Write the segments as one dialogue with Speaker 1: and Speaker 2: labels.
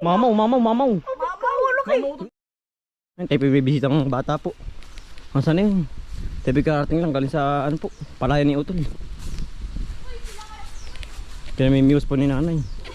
Speaker 1: Mamaw, mamaw, mamaw.
Speaker 2: Mamaw.
Speaker 1: Ay, tayo bibisita ng bata po. Masa na yun? Tayo karating lang galing sa ano po, palayan ni Utol. Kaya may muse po ni nanay.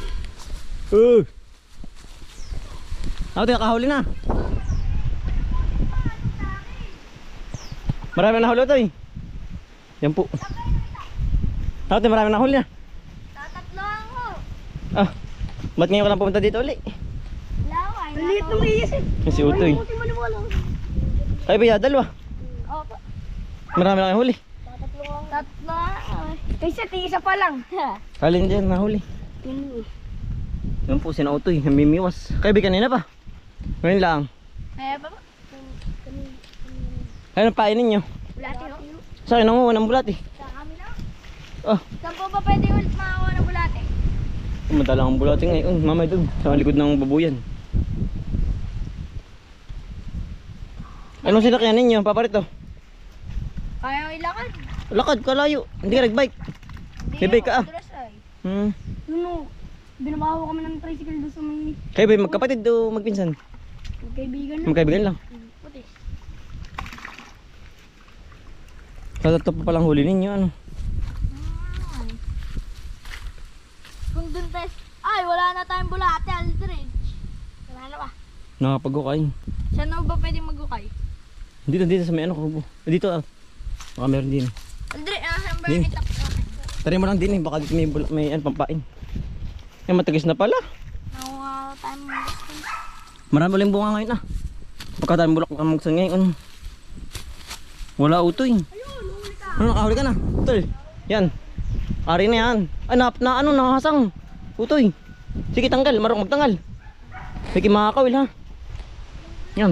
Speaker 1: Ako tayo kahuli na. Marami na huli ito eh. Yan po. Ako tayo marami na huli na.
Speaker 2: Tatatlo ako.
Speaker 1: Ah, ba't ngayon ka lang pumunta dito ulit?
Speaker 2: Laway. Liit ng iyas eh.
Speaker 1: Yan si Utoy. Ay ba, dalawa.
Speaker 2: Opo.
Speaker 1: Marami na kayong huli.
Speaker 2: Tatlo. Kaysa tigisa pa lang.
Speaker 1: Alin dyan nahuli. Yan po, sina Utoy, namimiwas. Kaya kanina pa. Ngayon lang.
Speaker 2: Kaya pa ba?
Speaker 1: Ayun ang painin nyo.
Speaker 2: Bulati ho.
Speaker 1: Sa akin nanguha ng bulati.
Speaker 2: Sa kami na.
Speaker 1: Oh,
Speaker 2: Saan po ba pwede ulit makakuha ng bulati?
Speaker 1: madala ang bulati ngayon. Mamay doon, sa likod ng babuyan. Anong sinakyan ninyo, paparito?
Speaker 2: Kaya ko ilakad.
Speaker 1: Lakad, kalayo. Hindi ka nagbike. May bike ka ah.
Speaker 2: Address ay.
Speaker 1: Hmm.
Speaker 2: Binabaho kami ng tricycle doon sa may
Speaker 1: Kayo ba magkapatid o magpinsan?
Speaker 2: kaibigan na.
Speaker 1: Magkaibigan lang.
Speaker 2: Puti.
Speaker 1: Tatlo pa palang huli ninyo, ano?
Speaker 2: Ay. Kung dun tayo, ay wala na tayong bulate, Aldridge. Wala na ba?
Speaker 1: Nakapag-ukay.
Speaker 2: Saan na ba pwedeng mag-ukay?
Speaker 1: Dito sa may ano, kubo. Dito ah. Baka meron din.
Speaker 2: Aldridge, saan ba
Speaker 1: Di.
Speaker 2: yung itak?
Speaker 1: Tari mo lang din eh, baka dito may ano, pampain. Yan, matagis na pala.
Speaker 2: Nakuha tayong gusto.
Speaker 1: Marami uling bunga ngayon ah. Pagka tayong bulak ang magsan ngayon. Wala Utoy. Ano, nakahuli ka na? Utol. Yan. Ari na yan. Ay, nakahasang. Utoy. Sige, tanggal. Marunong magtanggal. Sige, makakawil ha. Yan.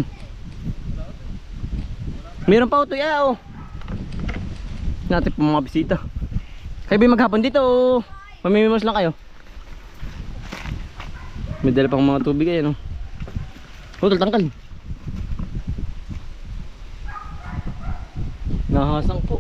Speaker 1: Meron pa Utoy. Oh. Natin po mga bisita. Kayo ba maghapon dito o mamimimos lang kayo? May dala pang mga tubig ay ano. Utol, tanggal. Nahasang po.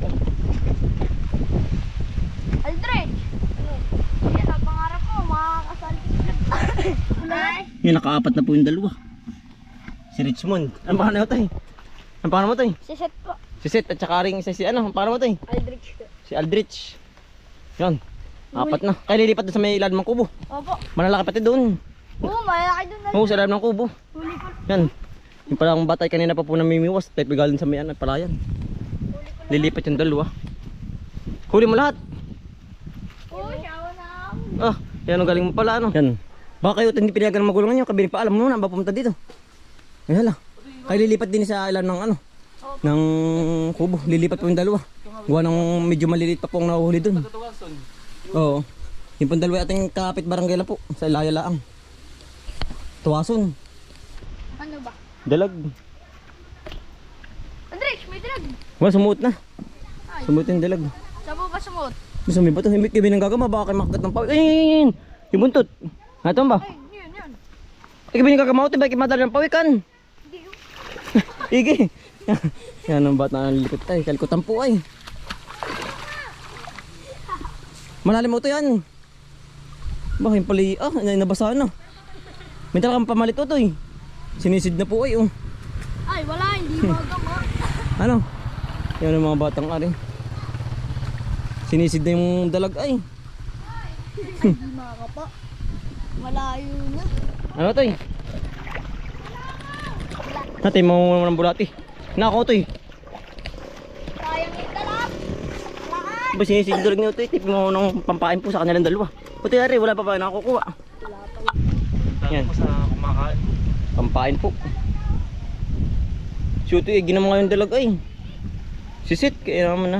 Speaker 2: Aldridge! Yan ang pangarap ko, makakasal. Ay!
Speaker 1: Yung nakaapat na po yung dalawa. Si Richmond. Ang pangalan mo tayo? Ang pangalan mo tayo?
Speaker 2: Si Seth po.
Speaker 1: Si Seth at saka ring isa si ano? Ang pangalan mo tayo?
Speaker 2: Aldridge po.
Speaker 1: Si Aldrich. Yan. Apat na. Kaya lilipat doon sa may ilalim ng kubo.
Speaker 2: Opo.
Speaker 1: Malalaki pati doon.
Speaker 2: Oo, malaki doon na.
Speaker 1: Oo, sa ilalim ng kubo.
Speaker 2: Huli ko.
Speaker 1: Yan. Yung palang batay kanina pa po namimiwas. Tayo pigalan sa may ano, palayan. Lilipat yung dalawa. Huli mo lahat.
Speaker 2: Oo, siyawa na ako.
Speaker 1: Ah, yan ang galing mo pala ano. Yan. Baka kayo hindi pinayagan ng magulang nyo. Kabili pa alam mo na ba pumunta dito. Ay hala. Kayo lilipat din sa ilalim ng ano. Ng kubo. Lilipat po yung dalawa. Gawa ng medyo maliliit pa po ang nahuhuli doon. Oo. Yung pong dalawa ating kapit barangay lang po. Sa Ilaya Laang. Tuwason.
Speaker 2: Ano ba?
Speaker 1: Dalag.
Speaker 2: Aldridge, may drag.
Speaker 1: Wala, sumuot na.
Speaker 2: Ay.
Speaker 1: Sumuot yung dalag.
Speaker 2: Saan po ba sumot?
Speaker 1: Gusto mo ba ito? Hindi kayo nagagama. Baka kayo makagat ng pawis. Ay! Yung buntot. Ito ba?
Speaker 2: Ay, yun.
Speaker 1: Ay, kayo nagagama ito. Bakit madali ng pawikan?
Speaker 2: Hindi yun.
Speaker 1: Igi. Yan ang bata na lilikot ay. Kalikutan po ay. Malalim mo ito yan. Ba, yung pali. Ah, nabasa na. May talagang pamalit ito eh. Sinisid na po ay oh.
Speaker 2: Ay, wala. Hindi bagang ko.
Speaker 1: Ano? Yan ang mga batang ari. Sinisid na yung dalag ay.
Speaker 2: Hindi makakapa. Malayo na.
Speaker 1: Ano ito eh? Natin mo ng bulati. Nako ito eh.
Speaker 2: Sayang yung talap. Walaan.
Speaker 1: Ba sinisid dalag niyo ito eh. Tipin mo ng pampain po sa kanilang dalawa. Puti ari, wala pa ba nakukuha? Yan. Pampain po. Shoot eh, ginam nga yung dalag ay. Sisit, kaya naman na.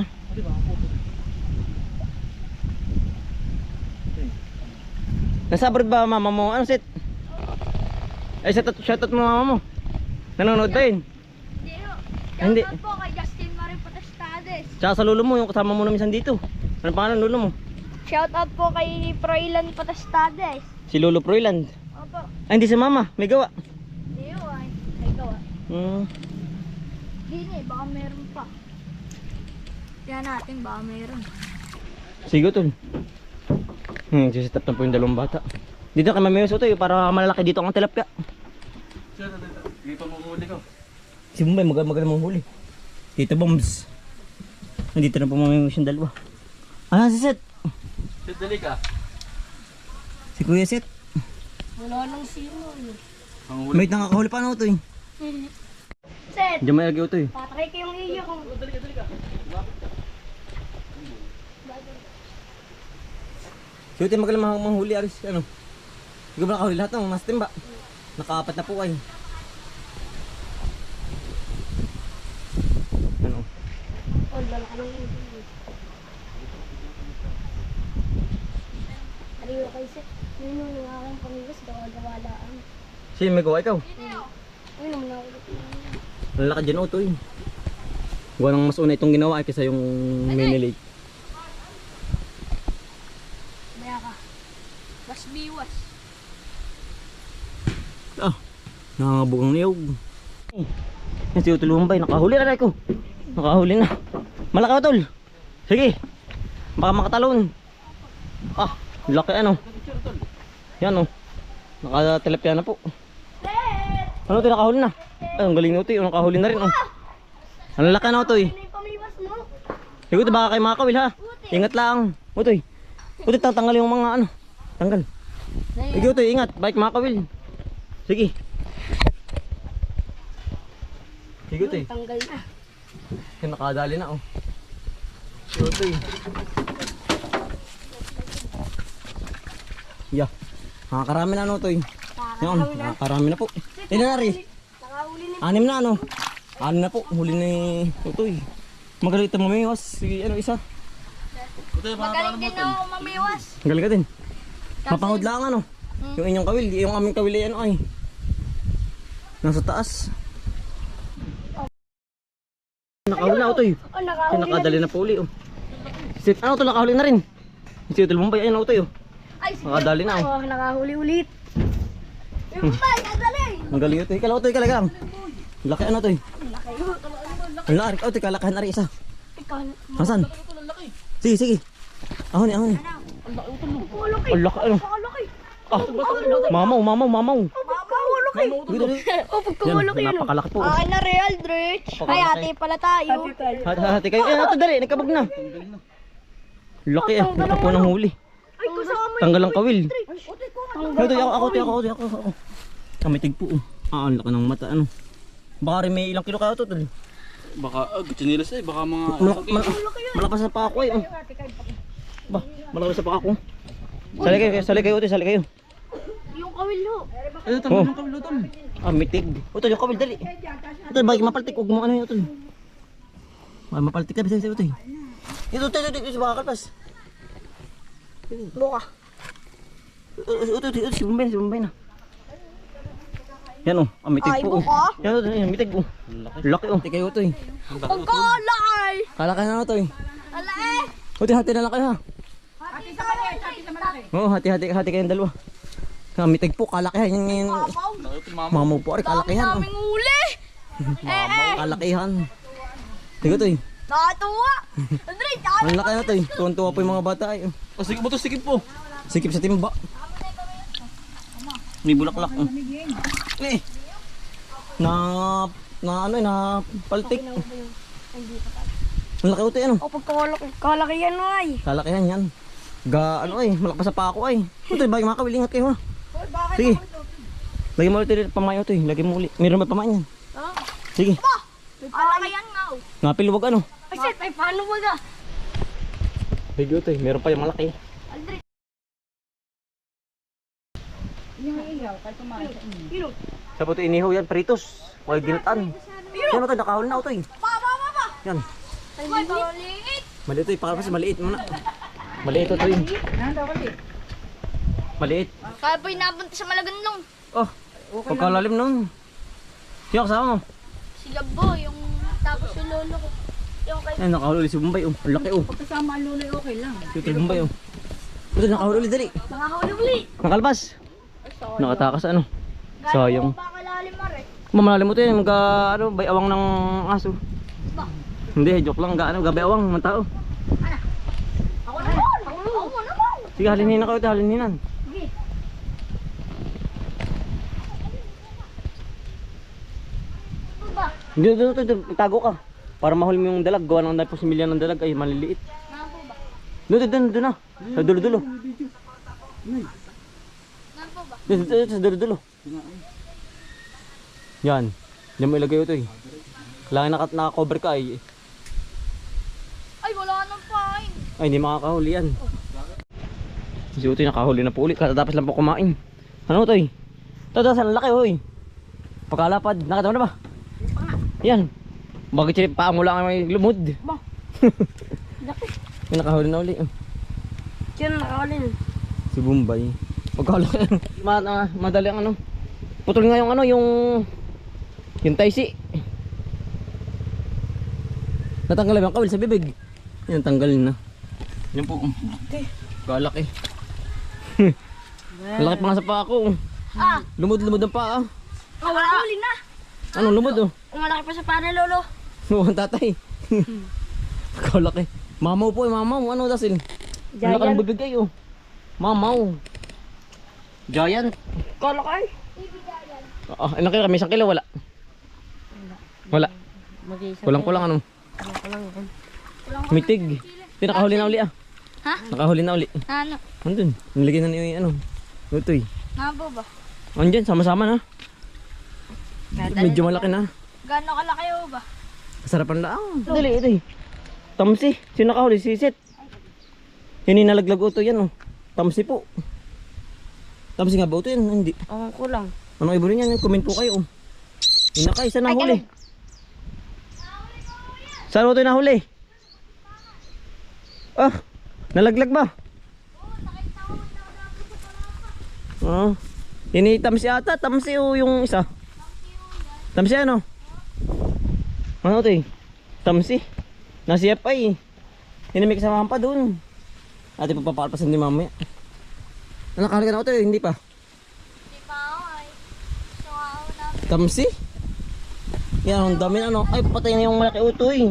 Speaker 1: Nasa abroad ba mama mo? Ano sit? Ay, shoutout mo mama mo. Nanonood ba yun?
Speaker 2: Hindi ho.
Speaker 1: Hindi.
Speaker 2: Shoutout po kay Justin Marie Potestades.
Speaker 1: Tsaka sa lolo mo, yung kasama mo na minsan dito. Ano pangalan lolo mo?
Speaker 2: Shoutout po kay Froilan Potestades.
Speaker 1: Si Lolo Proyland.
Speaker 2: Opo.
Speaker 1: Ay, hindi si mama, may gawa.
Speaker 2: Hindi ho ay. Ay gawa. Hindi baka meron pa. Kaya natin baka meron.
Speaker 1: Sige tol. Sisit up na po yung dalawang bata. Dito kay Mami Utoy para malalaki dito ang tilapia.
Speaker 3: Dito mo huli ko.
Speaker 1: Si Bombay magaling mong huli. Dito Bombs. Nandito na po Mami yung dalawa. Ah, si Seth.
Speaker 3: Sit, dali ka.
Speaker 1: Si Kuya Seth.
Speaker 2: Wala nang sino.
Speaker 3: Ang huli.
Speaker 1: May nakakahuli pa na Utoy.
Speaker 2: Set!
Speaker 1: Diyan may lagi Utoy.
Speaker 2: Patry ko yung iyo kung...
Speaker 1: Si Utoy magaling manghuli aris. Ano? Hindi ko ba nakahuli lahat ng mas timba? Nakaapat na po ay. Ano?
Speaker 2: Oh, dala ka ng iyo. Ariyo kay Set. Yun yung nangalang pamigas, gawa-gawalaan.
Speaker 1: Si may gawa ikaw.
Speaker 2: Ayun naman naulit.
Speaker 1: Ang laki dyan Utoy. Gawa nang mas una itong ginawa ay kaysa yung mini lake.
Speaker 2: Baya ka. Mas biwas.
Speaker 1: Ah, nangangabugang niyog. Yan si Utol Bombay, nakahuli na ko. Nakahuli na. Malaki Utol. Sige. Baka makatalon. Ah, laki ano. Yan oh. Nakatilapia na po. Ano ito nakahuli na? Ay, ang galing na Utoy. Nakahuli na rin oh. Ang laki na Utoy.
Speaker 2: Ano yung pamiwas mo?
Speaker 1: Sige Utoy, baka kayo makakawil ha. Ingat lang. Utoy. Utoy, tanggal yung mga ano. Tanggal. Sige Utoy, ingat. Bike makakawil. Sige. Sige Utoy.
Speaker 2: Tanggal na.
Speaker 1: Yung nakadali na oh. Utoy. Yeah. Nakakarami na ano Utoy. Yan, nakakarami na po. Ilan na rin?
Speaker 2: Nakahuli na.
Speaker 1: 6 na ano. 6 na po. Huli ni Utoy. Magaling ito mamiwas. Si ano isa.
Speaker 2: Magaling din ako mamiwas.
Speaker 1: Galing ka din. Mapangod lang ano. Yung inyong kawil. Yung aming kawil ay ano ay. Nasa taas. Nakahuli na Utoy.
Speaker 2: Oh, nakahuli na.
Speaker 1: Nakadali na po uli oh. Si ano to nakahuli na rin. Si Utol Bombay ayun Utoy oh.
Speaker 2: Ay, sige.
Speaker 1: Nakadali na oh.
Speaker 2: Oh, nakahuli ulit. Yung bay, nadali.
Speaker 1: Ang galing Utoy. Kala Utoy kala lang. Laki ano Utoy. Ang laki. Utoy kalakahan na rin isa.
Speaker 2: Ikaw.
Speaker 1: Nasaan? Sige sige. Ahon ni ahon ni.
Speaker 2: Pagkawalaki.
Speaker 1: Ang laki ano.
Speaker 2: Pagkawalaki.
Speaker 1: Ah, mamaw mamaw mamaw.
Speaker 2: Pagkawalaki.
Speaker 1: Dito.
Speaker 2: Oh, pagkawalaki
Speaker 1: Yan,
Speaker 2: yun.
Speaker 1: napakalaki po.
Speaker 2: Akin na real, Dritch. Ay, ate pala tayo.
Speaker 1: Hati kayo. Eh, ito dali, nagkabog na. Laki eh, ito po ng huli.
Speaker 2: Ay, kasama
Speaker 1: Tanggal ang kawil.
Speaker 2: Tanggal.
Speaker 1: Ito, ako. Kamitig po. Ah, ang laki ng mata, ano. Baka rin may ilang kilo kaya ito, tol.
Speaker 3: Baka, chinilas eh. Baka mga...
Speaker 1: Malakas na pa ako eh. Ba, malakas na pa ako. Sali kayo, sali kayo.
Speaker 2: Yung kawil ho.
Speaker 3: Ito, tanggal ng kabilo tol.
Speaker 1: Ah, mitig. Ito, yung kawil, dali. Ito, bakit mapaltik, huwag mo ano yun, ito. Mapaltik ka, bisa ito. Ito, baka kalpas.
Speaker 2: Buka.
Speaker 1: Ito, si Bombay na. Yan oh, mitig
Speaker 2: Ay,
Speaker 1: po.
Speaker 2: buka.
Speaker 1: Yan, mitig oh. Laki oh. Kayo ito eh.
Speaker 2: Pagkalaki.
Speaker 1: Kalaki na ito eh.
Speaker 2: Ala eh.
Speaker 1: Hati na lang kayo ha.
Speaker 2: Hati sa malaki.
Speaker 1: Oo, hati kayong dalawa. Mitig po, kalakihan yan. Mamaw po, kalakihan.
Speaker 2: Daming uli.
Speaker 1: Kalakihan. Tigo to eh.
Speaker 2: Nakatuwa. Andre,
Speaker 1: Ang laki na to eh. Tuwan-tuwa po yung mga bata eh.
Speaker 3: Sige mo to, sige po.
Speaker 1: Sikip sa timba. May bulaklak. Eh. Na ano eh, na paltik. Ang laki ito eh ano.
Speaker 2: O pagkalaki yan ay.
Speaker 1: Kalakihan yan. Ano eh, malakas sa pa ako ay. Ito eh, bagay makakawil, ingat kayo ha. Sige. Lagyan mo ulit pamayo ito eh. Lagyan mo ulit. Meron ba pamayo yan? Sige.
Speaker 2: Kalaki yan nga.
Speaker 1: Ngapil wag ano.
Speaker 2: Ay, Seth, ay paano ba ga?
Speaker 1: Bigyo ito eh, meron pa yung malaki.
Speaker 2: Andre.
Speaker 1: Sa puto inihaw yan, pritos. Huwag ginataan. Yan ito, nakahol na ito eh.
Speaker 2: Pa.
Speaker 1: Yan.
Speaker 2: Ay, maliit.
Speaker 1: Maliit ito eh, pakalpas maliit muna. Maliit ito eh. Maliit.
Speaker 2: Kaya po inapunta sa Malaganlong.
Speaker 1: Oh, pagkalalim nun. Sino kasama mo?
Speaker 2: Si Gabo, yung tapos yung lolo ko. Yung kay...
Speaker 1: Ay, nakahol ulit si Bombay oh. Ang laki oh.
Speaker 4: Kasama ang luloy, okay lang.
Speaker 1: Si Bombay oh. Ito, nakahol ulit dali.
Speaker 2: Nakahuli uli.
Speaker 1: Nakalpas. Nakatakas ano. Sayang.
Speaker 2: Baka lalim mare.
Speaker 1: Mamalalim mo ito yan, ano, bayawang ng aso. Hindi, joke lang, gabay awang ng tao.
Speaker 2: Ako naman. Ako naman.
Speaker 1: Sige, halinin na kayo ito, halininan.
Speaker 2: Sige.
Speaker 1: Doon, itago ka. Para mahuli mo yung dalag. Gawa ng po si Milya ng dalag ay maliliit.
Speaker 2: Naan po ba?
Speaker 1: Doon na. Sa dulo-dulo.
Speaker 2: Naan po ba?
Speaker 1: Doon, sa dulo-dulo. Yan. Diyan mo ilagay ito eh. Kailangan naka-cover ka ay.
Speaker 2: Ay, wala nang pain.
Speaker 1: Ay, hindi makakahuli yan. Si Utoy nakahuli na po ulit. Katatapos lang po kumain. Ano Utoy? Ito, saan laki hoy. Pagkalapad. Nakita mo na ba? Yan. Bakit siya paa mo lang may lumod?
Speaker 2: Ba? Laki.
Speaker 1: Yung nakahuli na uli.
Speaker 2: Sino nakakali?
Speaker 1: Si Bombay. Pagkalaki. Madali ang ano. Putol nga yung ano, yung taisi. Natanggal lang yung kawil sa bibig. Yan, tanggalin na. Yan po. Kalaki. Malaki pa nga sa paa ko.
Speaker 2: Ah!
Speaker 1: Lumod-lumod ang paa.
Speaker 2: Oh, wala huli na.
Speaker 1: Ano lumod oh?
Speaker 2: Umalaki pa sa para lolo.
Speaker 1: Oo, ang tatay. Kalaki. Mamaw po, mamaw. Ano dasil? Ang laki ng bibig ay oh. Mamaw. Giant.
Speaker 2: Kalaki.
Speaker 1: Nakita kami, 1 kilo wala. Wala. Kulang-kulang ano. Mitig. Nakahuli na uli ah.
Speaker 2: Ha?
Speaker 1: Nakahuli na uli.
Speaker 2: Ano?
Speaker 1: Andun. Nilagyan na niyo yung ano. Utoy.
Speaker 2: Naan po ba?
Speaker 1: Andyan, sama-sama na. Medyo malaki na.
Speaker 2: Gano'ng kalaki o ba?
Speaker 1: Sarapan lang. Dali, ito eh. Tamsi. Sino nakahuli? Sisit. Yan yung nalaglag uto yan oh. Tamsi po. Tamsi nga ba uto yan? Hindi.
Speaker 2: Ang kulang.
Speaker 1: Ano ibo rin yan? Comment po kayo oh. Yung naka, isa nahuli. Saan uto yung nahuli? Ah, nalaglag ba? Oo. Ini tamsi ata. Tamsi o yung isa. Tamsi ano? Ano ito eh? Tamsi. Nasi FI. Hinimik sa pa doon. Ate papapalpasan ni mamaya. Nakahali ka na ito eh. Hindi pa.
Speaker 2: Hindi pa ako ay. So ako na.
Speaker 1: Tamsi? Yan, ang dami na ano. Ay, patay na yung malaki utoy.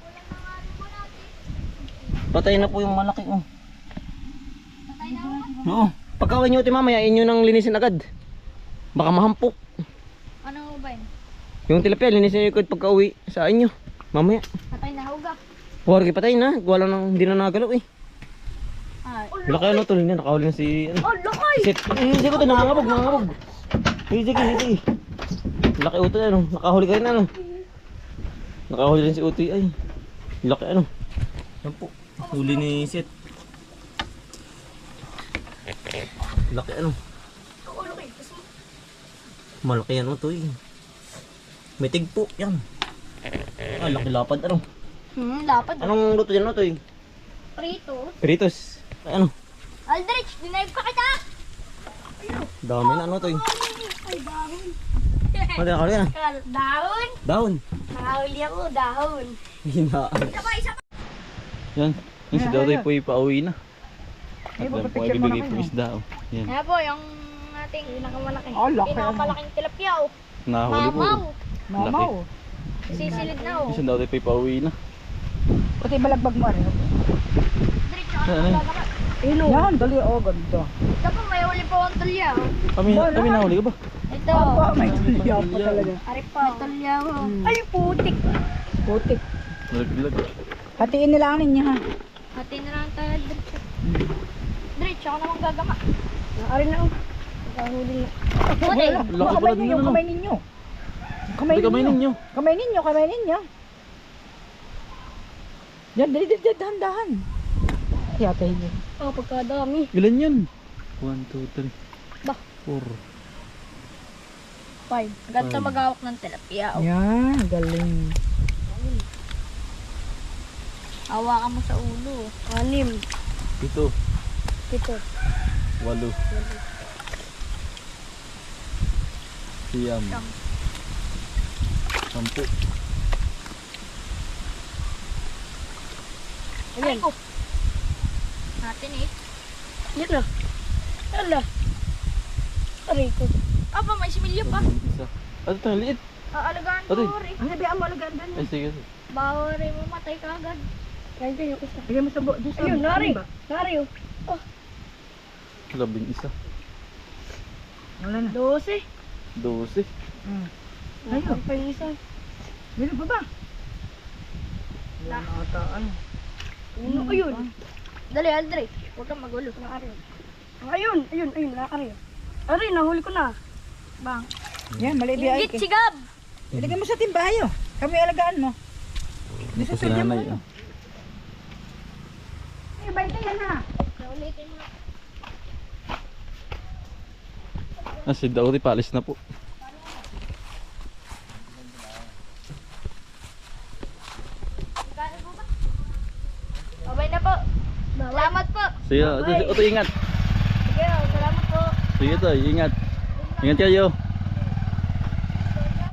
Speaker 1: Patay na po yung malaki oh.
Speaker 2: Patay na ako.
Speaker 1: Oo. Pagkawin nyo ito mamaya, inyo nang linisin agad. Baka mahampok.
Speaker 2: Ano ba yun?
Speaker 1: Yung tilapia, linisin nyo ikot pagka uwi sa inyo. Mamaya.
Speaker 2: Patay na huga.
Speaker 1: Huwag patay na. Wala nang, hindi na nagalaw eh.
Speaker 2: Ay.
Speaker 1: Wala kayo ano tuloy na. Nakahuli na si ano.
Speaker 2: Oh, lakay!
Speaker 1: Sit. Hindi ko ito. Nangangabog. Sige. Laki utoy ano. Nakahuli ka rin ano. Nakahuli rin si utoy ay. Laki ano. Yan po. Huli ni Sit. Laki ano. Malaki yan utoy. May tigpo yan. Ah, laki lapad ano.
Speaker 2: Lapad.
Speaker 1: Anong luto yan utoy?
Speaker 2: Prito.
Speaker 1: Peritos. Ay ano.
Speaker 2: Aldrich, dinaib ka kita!
Speaker 1: Dami na ano utoy.
Speaker 2: Ay, dahon.
Speaker 1: Ano nakahuli na?
Speaker 2: Dahon?
Speaker 1: Dahon.
Speaker 2: Nakahuli ako, dahon.
Speaker 1: Hinaan.
Speaker 2: Isa pa.
Speaker 3: Yan. Yung si Dodoy po ipauwi na. At yan po ay bibigay po isda oh. Yan.
Speaker 2: Kaya po, yung ating pinakamalaki.
Speaker 4: Oh, laki.
Speaker 2: Pinakamalaking tilapia oh.
Speaker 3: Nahuli po.
Speaker 2: Mamaw.
Speaker 4: Mamaw.
Speaker 2: Sisilid na oh.
Speaker 3: Yung si Dodoy po ipauwi na.
Speaker 4: Pati balagbag mo rin.
Speaker 2: Diretso ako
Speaker 3: Ano?
Speaker 2: nagagawa.
Speaker 4: Yan, dali o ganda.
Speaker 2: Ito po, may huli po akong tulya oh.
Speaker 3: Kami nahuli ka ba?
Speaker 2: Ito.
Speaker 4: Apa, may tulya pa talaga.
Speaker 2: Ari pa. May tulya oh. Ay, putik.
Speaker 4: Putik.
Speaker 3: Nalaglag.
Speaker 4: Hatiin nila ang ninyo ha.
Speaker 2: Hati na lang tayo diretso. Diretso ako namang gagama. Ari na oh. Nakahuli na. Huli.
Speaker 3: Laki pala din ano.
Speaker 4: Kamay ninyo. Kamay
Speaker 3: Hindi kamay ninyo.
Speaker 4: Kamay ninyo. Yan, dali, dahan-dahan. Yata yun.
Speaker 2: Oh, pagkadami.
Speaker 3: Ilan yun? 1, 2, 3.
Speaker 2: Bah.
Speaker 3: 4.
Speaker 2: 5. Ganito magawak ng tilapia oh.
Speaker 4: Yan, galing.
Speaker 2: Hawakan mo sa ulo. 6.
Speaker 3: 7.
Speaker 2: 7.
Speaker 3: 8. Siyam. 10.
Speaker 2: Ay ko. Natin eh. Yan na. Ala. Aray ko. Aba, may similyo pa.
Speaker 3: Isa. Ano ito? Liit.
Speaker 2: Aalagaan ko
Speaker 3: Aray.
Speaker 2: rin.
Speaker 4: Ang sabi mo alagaan doon.
Speaker 3: Ay sige.
Speaker 2: Bawa rin mo matay ka agad. Kaya ko yung isa.
Speaker 4: Bigyan mo sa doon sa.
Speaker 2: Ayun, nari. Nari oh.
Speaker 3: 11.
Speaker 4: Wala na.
Speaker 2: 12.
Speaker 3: 12.
Speaker 4: Mm.
Speaker 2: Ayun. Pa yung isa.
Speaker 4: Meron pa ba?
Speaker 2: Uno, ayun. Dali, Andre. Huwag kang magulo. Ayun, nakakari. Ari, nahuli ko na. Bang.
Speaker 4: Yan, malibi ay.
Speaker 2: Ingit, sigab!
Speaker 4: Ilagay mo sa timbayo. Kami alagaan mo.
Speaker 3: Ito po si nanay. Oh.
Speaker 4: Ay, baita yan ha.
Speaker 2: Naulitin mo.
Speaker 3: Ah, si Daudi paalis na po.
Speaker 2: Babay na po. Salamat po.
Speaker 3: Sige, ito ingat.
Speaker 2: Sige, salamat po.
Speaker 3: Sige to, ingat. Ingat kayo.